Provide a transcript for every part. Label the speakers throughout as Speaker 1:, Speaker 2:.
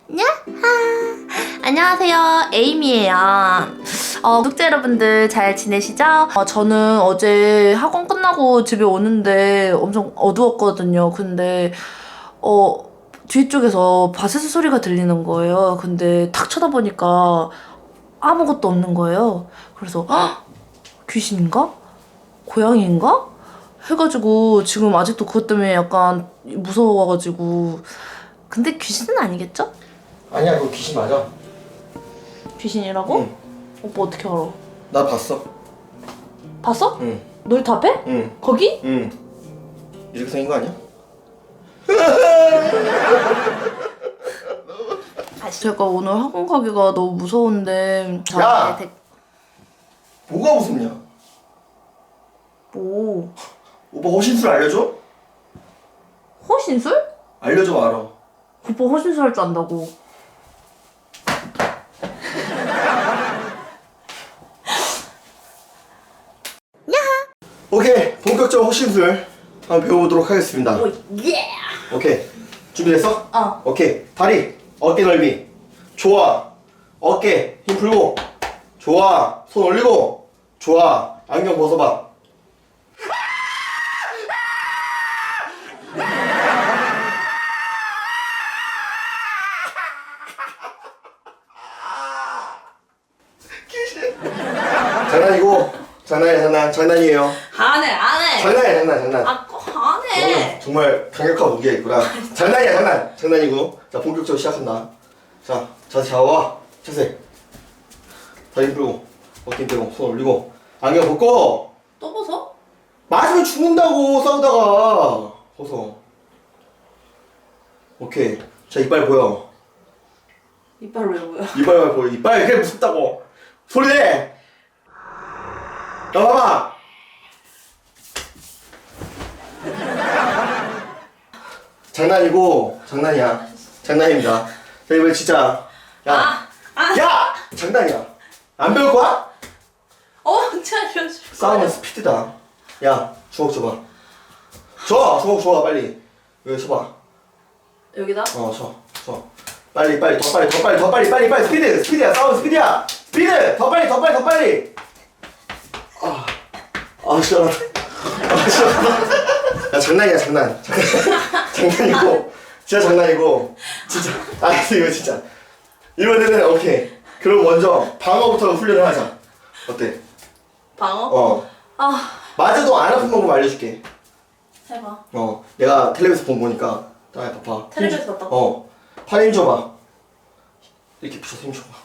Speaker 1: 야하! 안녕하세요, 에이미예요. 구독자 여러분들 잘 지내시죠? 저는 어제 학원 끝나고 집에 오는데 엄청 어두웠거든요. 근데 뒤쪽에서 바세스 소리가 들리는 거예요. 근데 탁 쳐다보니까 아무것도 없는 거예요. 그래서 헉! 귀신인가? 고양이인가? 해가지고 지금 아직도 그것 때문에 약간 무서워가지고. 근데 귀신은 아니겠죠?
Speaker 2: 아니야, 그거 귀신 맞아.
Speaker 1: 귀신이라고?
Speaker 2: 응.
Speaker 1: 오빠 어떻게 알아?
Speaker 2: 나 봤어.
Speaker 1: 봤어?
Speaker 2: 응.
Speaker 1: 놀이터 앞에?
Speaker 2: 응.
Speaker 1: 거기?
Speaker 2: 응. 이렇게 생긴 거 아니야?
Speaker 1: 제가 오늘 학원 가기가 너무 무서운데.
Speaker 2: 야! 뭐가 무섭냐?
Speaker 1: 뭐?
Speaker 2: 오빠 호신술 알려줘?
Speaker 1: 호신술?
Speaker 2: 알려줘 알아.
Speaker 1: 오빠 호신술 할 줄 안다고.
Speaker 2: 오케이, 본격적 호신술 한번 배워보도록 하겠습니다.
Speaker 1: 오, 예!
Speaker 2: 오케이, 준비됐어?
Speaker 1: 어.
Speaker 2: 오케이, 다리, 어깨 넓이. 좋아. 어깨, 힘 풀고. 좋아. 손 올리고. 좋아. 안경 벗어봐. 장난이고, 장난이에요.
Speaker 1: 안 해.
Speaker 2: 장난이야, 장난.
Speaker 1: 안 해.
Speaker 2: 정말 강력한 무기가 있구나. 장난이야, 장난이고. 자, 본격적으로 시작한다. 자, 자세 잡아봐. 자세. 다리 풀고, 어깨 빼고, 손 올리고, 안경 벗고.
Speaker 1: 또 벗어?
Speaker 2: 맞으면 죽는다고, 싸우다가. 벗어. 오케이. 자, 이빨 보여.
Speaker 1: 이빨 왜 보여?
Speaker 2: 이빨 보여. 이빨 그게 무섭다고. 소리 내. 나 봐봐. 장난이고 장난이야. 장난입니다. 자, 이번에 진짜. 야, 야, 장난이야. 안 배울 거야?
Speaker 1: 언제 알려줄 거야?
Speaker 2: 싸움은 스피드다. 야, 주먹 줘봐. 주먹 줘, 빨리. 여기 줘봐.
Speaker 1: 여기다?
Speaker 2: 줘. 빨리, 더 빨리, 스피드야, 싸움 스피드야. 스피드, 더 빨리. 시원하다. 야, 장난이야, 장난. 장난이고, 진짜. 이거 진짜. 이번에는 오케이. 그럼 먼저 방어부터 훈련을 하자. 어때?
Speaker 1: 방어?
Speaker 2: 맞아도 안 아픈 방법 알려줄게.
Speaker 1: 해봐.
Speaker 2: 내가 텔레비에서 본 거니까. 자, 봐봐.
Speaker 1: 텔레비에서 봤다고?
Speaker 2: 팔 힘 줘봐. 이렇게 붙여서 힘 줘봐.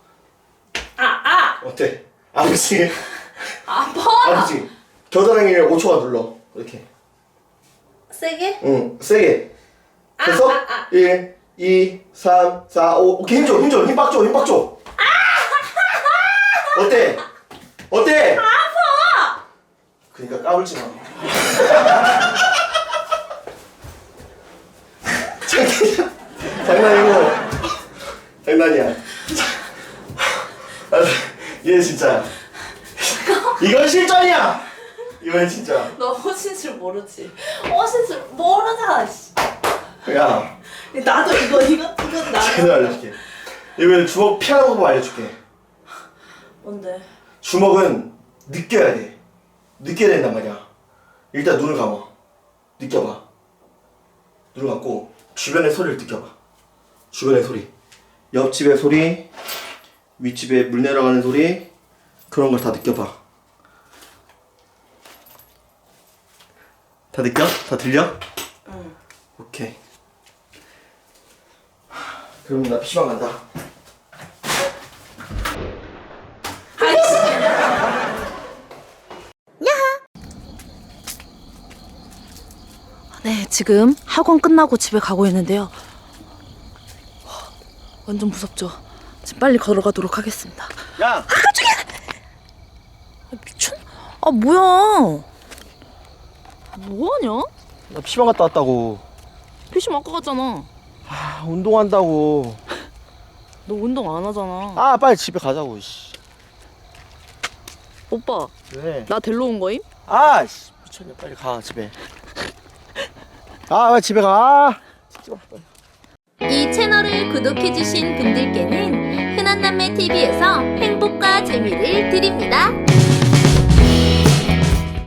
Speaker 2: 어때? 아프지?
Speaker 1: 아파.
Speaker 2: 아프지? 겨드랑이를 5초간 눌러. 이렇게.
Speaker 1: 세게?
Speaker 2: 응, 세게. 됐어? 1, 2, 3, 4, 5. 오케이, 힘 빡 줘. 어때?
Speaker 1: 아파.
Speaker 2: 그러니까 까불지 마. 장난이야. 얘 진짜. 이건 실전이야. 이건 진짜.
Speaker 1: 너 호신술 모르지? 호신술 모르잖아. 씨.
Speaker 2: 야,
Speaker 1: 나도 이건
Speaker 2: 제대로 알려줄게. 이번엔 주먹 피하는 방법 알려줄게.
Speaker 1: 뭔데?
Speaker 2: 주먹은 느껴야 돼. 느껴야 된단 말이야. 일단 눈을 감아. 느껴봐. 눈을 감고 주변의 소리를 느껴봐. 주변의 소리. 옆집의 소리, 윗집에 물 내려가는 소리, 그런 걸 다 느껴봐. 다 느껴? 다 들려?
Speaker 1: 응.
Speaker 2: 오케이. 그럼 나 PC방 간다.
Speaker 1: 네, 지금 학원 끝나고 집에 가고 있는데요. 완전 무섭죠? 지금 빨리 걸어가도록 하겠습니다.
Speaker 2: 야!
Speaker 1: 미친? 뭐야? 뭐하냐?
Speaker 2: 나 PC방 갔다 왔다고.
Speaker 1: 피심 아까 갔잖아.
Speaker 2: 운동한다고.
Speaker 1: 너 운동 안 하잖아.
Speaker 2: 빨리 집에 가자고. 씨.
Speaker 1: 오빠,
Speaker 2: 왜?
Speaker 1: 나 데리러 온 거임?
Speaker 2: 미쳤네. 빨리 가 집에. 빨리 집에 가. 찍지 마. 빨리.
Speaker 3: 이 채널을 구독해주신 분들께는 흔한남매TV에서 행복과 재미를 드립니다.